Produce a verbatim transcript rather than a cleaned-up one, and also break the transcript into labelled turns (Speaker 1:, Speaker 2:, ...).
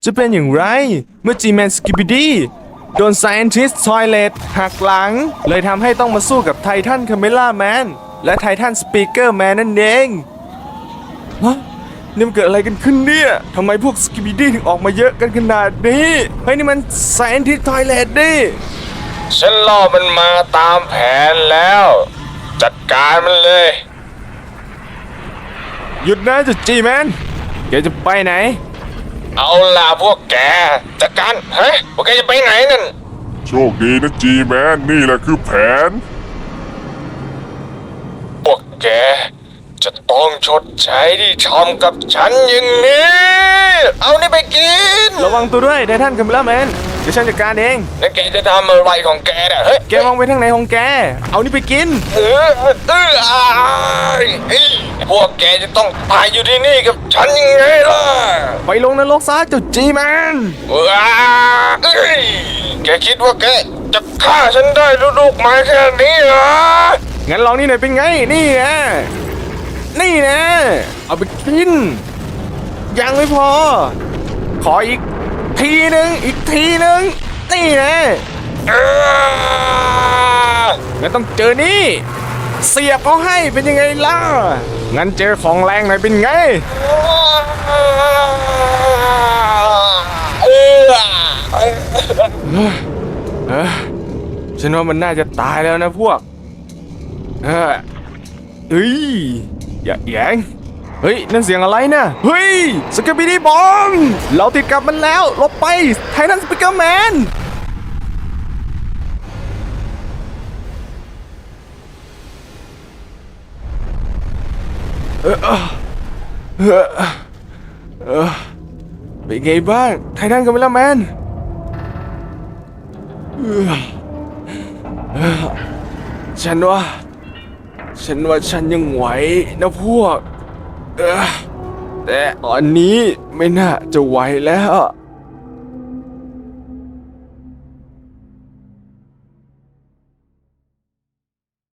Speaker 1: จะเป็นอย่างไรเมื่อ G-Man Skibidi โดน Scientist Toilet หักหลังเลยทำให้ต้องมาสู้กับไททัน Camera Man และไททัน Speaker Man นั่นเองฮะนี่มันเกิดอะไรกันขึ้นเนี่ยทำไมพวก Skibidi ถึงออกมาเยอะกันขนาดนี้เฮ้ยนี่มัน Scientist Toilet ดิ
Speaker 2: ฉันล่อมันมาตามแผนแล้ว จัดการมันเลย
Speaker 1: หยุดนะจุด G-Man แกจะไปไหน
Speaker 2: เอาล่ะพวกแกจัดการเฮ้ยพวกแกจะไปไหนนั่น
Speaker 3: โชคดีนะจีแมนนี่แหละคือแผน
Speaker 2: พวกแกจะต้องชดใช้ที่ทำกับฉันอย่างนี้ เอานี่ไปกิน
Speaker 1: ระวังตัวด้วยไททัน Camera Man เดี๋ยวฉันจัดการเอง
Speaker 2: แล้วแกจะทำอะไรของแกเนี่ยเฮ้ย
Speaker 1: แกมองไปทางไหนของแกเอานี่ไปกิน
Speaker 2: เออเอออายเฮ้ยพวกแกจะต้องตายอยู่ที่นี่กับฉันยังไงล่ะ
Speaker 1: ไปลงนรกซะเจ้า G-Man
Speaker 2: ว้าเอ้ยแกคิดว่าแกจะฆ่าฉันได้ด้วยลูกไม้แค่นี้เหรอ
Speaker 1: งั้นลองนี่หน่อยเป็นไง นี่นะนี่นะ เอาไปกิน ยังไม่พอ ขออีกทีหนึ่งอีกทีหนึ่งนี่นะ
Speaker 2: เออ
Speaker 1: งั้นต้องเจอนี่ เสียบเขาให้เป็นยังไงล่ะ งั้นเจอของแรงหน่อยเป็นไง
Speaker 2: เออ
Speaker 1: เออฉันว่ามันน่าจะตายแล้วนะพวก เออเฮ้ย อย่าแยงเฮ้ย นั่นเสียงอะไรนะเฮ้ย สกิปปี้ดีบอมเราติดกับมันแล้วหลบไป ไททันสปิเกอร์แมน เออเออเออเออเป็นไงบ้าง ไททันกับเวลาแมนเออเออฉันว่า ฉันว่าฉันยังไหวนะพวก เออแต่ตอนนี้ไม่น่าจะไหวแล้ว